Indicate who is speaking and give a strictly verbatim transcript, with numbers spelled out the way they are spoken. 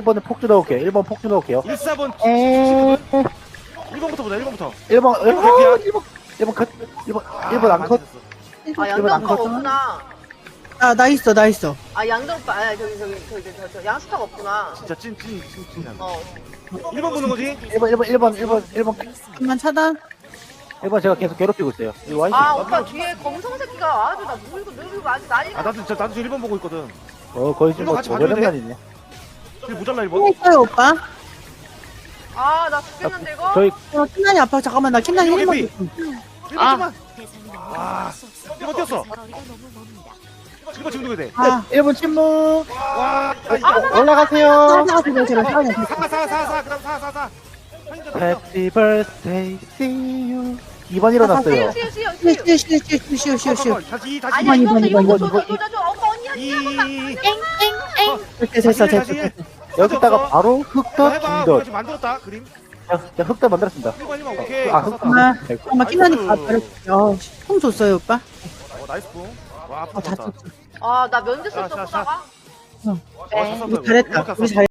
Speaker 1: 번에 폭주 넣을게요. 일 번 폭주 넣을게요.
Speaker 2: 일, 사 번
Speaker 1: 에
Speaker 2: 일 번부터 보자. 일 번부터.
Speaker 1: 일 번 일
Speaker 2: 개피야?
Speaker 1: 번 일 번 일 번 컷. 일 번 일 번 안 컷.
Speaker 3: 아
Speaker 1: 이건 안
Speaker 3: 양정파가
Speaker 1: 컸잖아.
Speaker 3: 없구나.
Speaker 4: 아, 나 있어, 나 있어.
Speaker 3: 아 양정파 아 저기 저기 저기 저, 저, 양스타가 없구나.
Speaker 2: 진짜 찐찐찐찐
Speaker 3: 어.
Speaker 2: 일 번 보는 거지?
Speaker 1: 일 번 일 번 일 번 일 번 일 번
Speaker 4: 잠깐만 차단.
Speaker 1: 일 번 제가 계속 괴롭히고 있어요. 이거 와이프.
Speaker 3: 아 오빠 뒤에 검성 새끼가 아주 나 물고 늘리고 아주 난리가.
Speaker 2: 아 나도 진짜 나도 지금 일 번 보고 있거든.
Speaker 1: 어 거의
Speaker 2: 이거
Speaker 1: 지금 뭐
Speaker 2: 같이 봐줘야 돼?
Speaker 1: 오랜만이네.
Speaker 2: 지금 모자라 일
Speaker 4: 또
Speaker 2: 번.
Speaker 4: 있어요, 오빠.
Speaker 3: 아나 죽겠는데 이거.
Speaker 1: 저희
Speaker 4: 어, 킴난이 아파. 잠깐만, 나 킴난이
Speaker 2: 이거
Speaker 4: 일 번.
Speaker 2: 개피. 일 번만. 와. 일 번 뛰었어. 일 번 지금 누구야 돼?
Speaker 4: 아,
Speaker 1: 일 번 침묵.
Speaker 2: 와.
Speaker 1: 올라가세요.
Speaker 4: 사사가 제발, 제발, 사사가 제발.
Speaker 2: 사, 사, 사, 사. 그다음 사, 사, 사.
Speaker 1: Happy birthday to you. 이 번 일어났어요.
Speaker 3: 시우 시우
Speaker 4: 쉬어,
Speaker 3: 시우 시우.
Speaker 4: 쉬어, 쉬어, 쉬어, 쉬어, 쉬어, 쉬어.
Speaker 2: 다시 다시.
Speaker 3: 아니야
Speaker 4: 이번,
Speaker 3: 이거
Speaker 4: 이번,
Speaker 3: 이거
Speaker 4: 이번,
Speaker 3: 이거
Speaker 1: 이번,
Speaker 3: 줘 줘 줘. 오빠 언니
Speaker 2: 이.
Speaker 3: 언니.
Speaker 4: 됐어, 됐어, 됐어, 됐어.
Speaker 1: 여기다가 바로 흑덧
Speaker 2: 해봐. 우리가
Speaker 1: 중덧.
Speaker 2: 지금 만들었다. 그림.
Speaker 1: 자, 흑덧 만들었습니다.
Speaker 2: 일 번, 일 번. 오케이.
Speaker 1: 아,
Speaker 2: 썼다.
Speaker 4: 잠깐만,
Speaker 1: 네.
Speaker 4: 잠깐만, 킴난이 다 버렸어. 어, 통 줬어요, 오빠.
Speaker 2: 어, 나이스 뽕. 와,
Speaker 4: 어, 다
Speaker 2: 아프다.
Speaker 4: 줬어.
Speaker 3: 아나 면제
Speaker 2: 자, 자,
Speaker 3: 썼다가.
Speaker 2: 와, 잘 썼다,
Speaker 4: 우리
Speaker 2: 이거.
Speaker 4: 잘했다.
Speaker 2: 이렇게
Speaker 4: 우리
Speaker 2: 썼어.
Speaker 4: 잘했다.